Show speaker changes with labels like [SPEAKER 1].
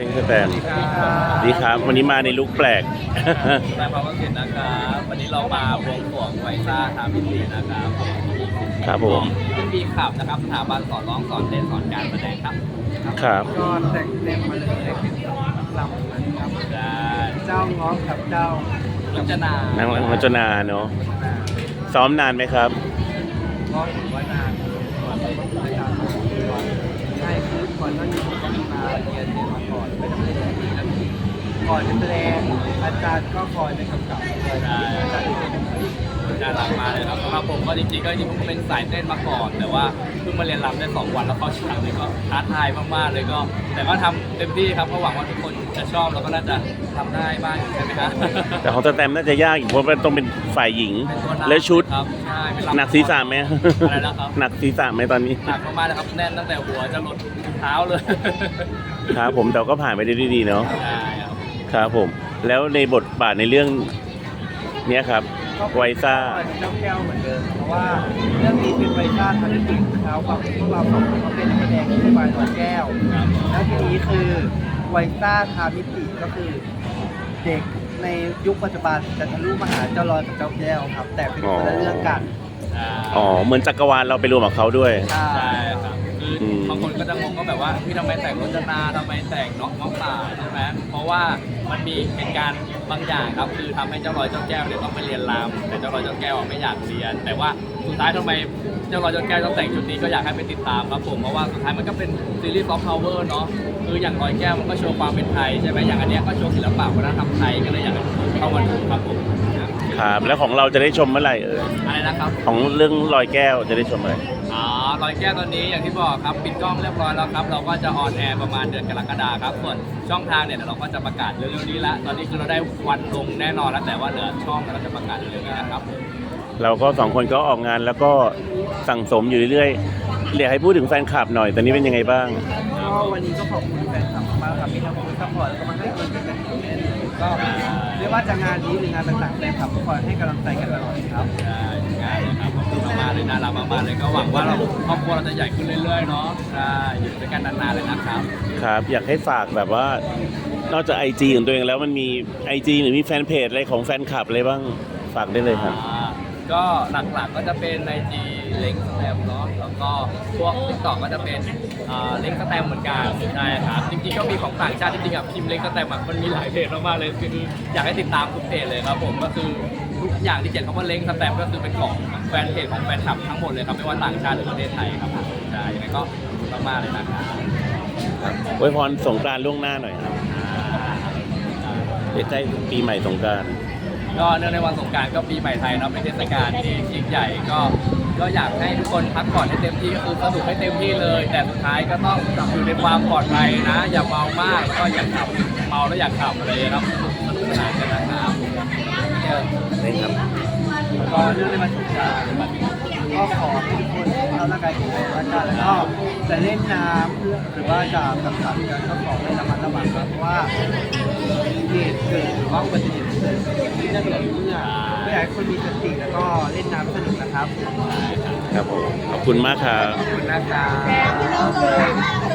[SPEAKER 1] เล่นสแตนดีครับวันนี้มาในลุคแปลก
[SPEAKER 2] นายภาวะเกตนะครับวันนี้เรามาบวงสรวงไวซ่าทามิตรีนะครับ
[SPEAKER 1] ครับผม
[SPEAKER 2] เป็นบีขับนะครับสถาบันสอนร้องสอนเต้นสอนการแสดงครับ
[SPEAKER 1] ครับ
[SPEAKER 3] ก็แต่งเต็มมาเลยเป็นลำนะครับ
[SPEAKER 2] ได้
[SPEAKER 3] เจ้าง้อกับเจ้า
[SPEAKER 2] ลัจนา
[SPEAKER 1] นางรจนาเนาะซ้อมนานไหมครับ
[SPEAKER 3] ง้อถือว่านานก่อนต้องใช้การใช่คือก่อนหน้านี้ผมก็มีมาเรียนมาก่อนไปทำได้ดีแล้วก่อนจะแสดงอาจารย์ก็คอยเป็นกำกับเลยอาจารย์ที่เป็น
[SPEAKER 2] น่ารักมากเลยครับสำหรับผมก็จริงๆผมเป็นสายเต้นมาก่อน แต่ว่าเพิ่งมาเรียนรำได้2 วันแล้วเข้าฉากเลยก็ท้าทายมากๆเลยก็ แต่ก็ทำเต็มที่ครับเพราะหวังว่าทุกคนจะชอบแล้วก็น่าจะทำได้บ้างใช่ไหมครับ
[SPEAKER 1] แต่ของสแตมน่าจะยากอีกเพราะมันต้องเป็นฝ่ายหญิง
[SPEAKER 2] เป็นตัวนำ
[SPEAKER 1] และชุด
[SPEAKER 2] ครับใช่เป็น
[SPEAKER 1] หนักศีรษะไหม
[SPEAKER 2] อะไรนะครับ
[SPEAKER 1] หนักศีรษะไหมตอนนี้
[SPEAKER 2] หนักมากๆเลยครับแน่นตั้งแต่หัวจะหลดเท้าเลย
[SPEAKER 1] ครับผมแต่ก็ผ่านไปได้ด้วยดีเนาะ
[SPEAKER 2] ใช่ครับ
[SPEAKER 1] ครับผม แล้วในบทบาทในเรื่องเนี้ยครับไวซ่า
[SPEAKER 3] เจ้าแก้วเหมือนเดิมเพราะว่าเรื่องนี้เป็นไวซ่าทันติเท้าความที่พวกเราสองคนเขาเป็นนักแสดงที่เป็นวายตัวแก้ว
[SPEAKER 2] ครับ
[SPEAKER 3] แล้วทีนี้คือไวซ่าทามิติก็คือเด็กในยุคปัจจุบันจะทะลุมาหาเจ้าลอยกับเจ้าแก้วครับ แต่เป็นคนละเรื่องกัน
[SPEAKER 1] อ๋อเหมือนจักรวาลเราไปรวมกับเขาด้วย
[SPEAKER 3] ใช่
[SPEAKER 2] ใช่ครับคือบางคนก็จะงงก็แบบว่าพี่ทำไมแต่งรจนาทำไมแต่งน้องป่าใช่ไหมเพราะว่ามันมีเหตุการณ์บางอย่างครับคือทำให้เจ้าลอยเจ้าแก้วเนี่ยต้องไปเรียนรำแต่เจ้าลอยเจ้าแก้วไม่อยากเรียน แต่ว่าสุดท้ายทำไมเจ้าลอยเจ้าแก้วต้องแต่งชุดนี้ก็อยากให้ไปติดตามครับผมเพราะว่าสุดท้ายมันก็เป็นซีรีส์ซอฟต์พาวเวอร์เนาะคืออย่างลอยแก้วมันก็โชว์ความเป็นไทยใช่ไหมอย่างอันเนี้ยก็โชว์ศิลปะวัฒนธรรมไทยก็เลยอยากให้เข้ามาดูครับผม
[SPEAKER 1] ครับ แล้วของเราจะได้ชมเมื่อไหร่
[SPEAKER 2] อะไรนะครับ
[SPEAKER 1] ของเรื่องลอยแก้วจะได้ชมเมื่อไหร่
[SPEAKER 2] อ๋อลอยแก้วตอนนี้อย่างที่บอกครับปิดกล้องเรียบร้อยแล้วครับเราก็จะออนแอร์ประมาณเดือนกรกฎาคมครับส่วนช่องทางเนี่ยเดี๋ยวเราก็จะประกาศเร็วๆนี้ละตอนนี้คือเราได้วันลงแน่นอนแล้วแต่ว่าเหลือช่องเราจะประกาศเร็วๆนี้นะครับ
[SPEAKER 1] เราก็สองคนก็ออกงานแล้วก็สั่งสมอยู่เรื่อยๆอยากให้พูดถึงแฟนคลับหน่อยตอนนี้เป็นยังไงบ้าง
[SPEAKER 3] ก็วันนี้ก็ขอบคุณแฟนคลับมากๆครับมีทั้งคนซัพพอร์ตแล้วก็มาให้กำลังใจกันอยู่แน่นอนก็ไม่ว่าจะงานนี้หรืองานต่างๆแฟนคลับก็คอยให้กำลังใจกันตลอดครับ
[SPEAKER 2] ใช่งานเลยครับขอบคุณมากๆเลยน่ารักมากๆเลยก็หวังว่าเราครอบครัวเราจะใหญ่ขึ้นเรื่อยๆเนาะใช่อยู่ด้วยกันนานๆเลยนะครับ
[SPEAKER 1] ครับ อยากให้ฝากแบบว่านอกจาก IG ของตัวเองแล้วมันมี IG หรือมีแฟนเพจอะไรของแฟนคลับอะไรบ้างฝากได้เลยครับ
[SPEAKER 2] ก็หลักๆก็จะเป็นในจีเล้งสแตมเนาะแล้วก็พวกติ๊กต็อกก็จะเป็นเล้งสแตมเหมือนกันใช่ครับจริงๆก็มีของต่างชาติจริงๆอ่ะพิมพ์เล้งสแตมอ่ะมันมีหลายเพจมากๆเลยคืออยากให้ติดตามทุกเพจเลยครับผมก็คือทุกอย่างที่เขียนคำว่าเล้งสแตมก็คือเป็นของแฟนเพจของแฟนคลับทั้งหมดเลยครับไม่ว่าต่างชาติหรือประเทศไทยครับใช่ยังไงก็มากๆเลยนะครับ
[SPEAKER 1] อวยพรสงกรานต์ล่วงหน้าหน่อยครับใกล้ปีใหม่สงกรานต์
[SPEAKER 2] ก็เนื่องในวันสงกรานต์ก็ปีใหม่ไทยเนาะเป็นเทศกาลที่ยิ่งใหญ่ก็อยากให้ทุกคนพักผ่อนให้เต็มที่ก็คือสนุกให้เต็มที่เลย แต่สุดท้ายก็ต้องอยู่ในความปลอดภัยนะ อย่าเมามากแล้วก็อย่าขับเมาแล้วอย่าขับอะไรนะครับสนุกสนานกันนะครับ
[SPEAKER 1] ได้ครับ
[SPEAKER 3] ก็เรื่องในวันสงกรานต์ก็ขอให้ทุกคนสุขภาพร่างกายแข็งแรงแล้วกันแล้วก็จะเล่นน้ำหรือว่าจะสังสรรค์กันก็ขอให้ระมัดระวังครับเพราะว่าเหตุเกิดหรือว่าอุบัติเหตุเกิดที่น่าเบื่อเมื่ออยากให้คนมีสติแล้วก็เล่นน้ำสนุกนะครับ
[SPEAKER 1] ครับผมขอบคุณมากครับ
[SPEAKER 3] ขอบคุณนะครับ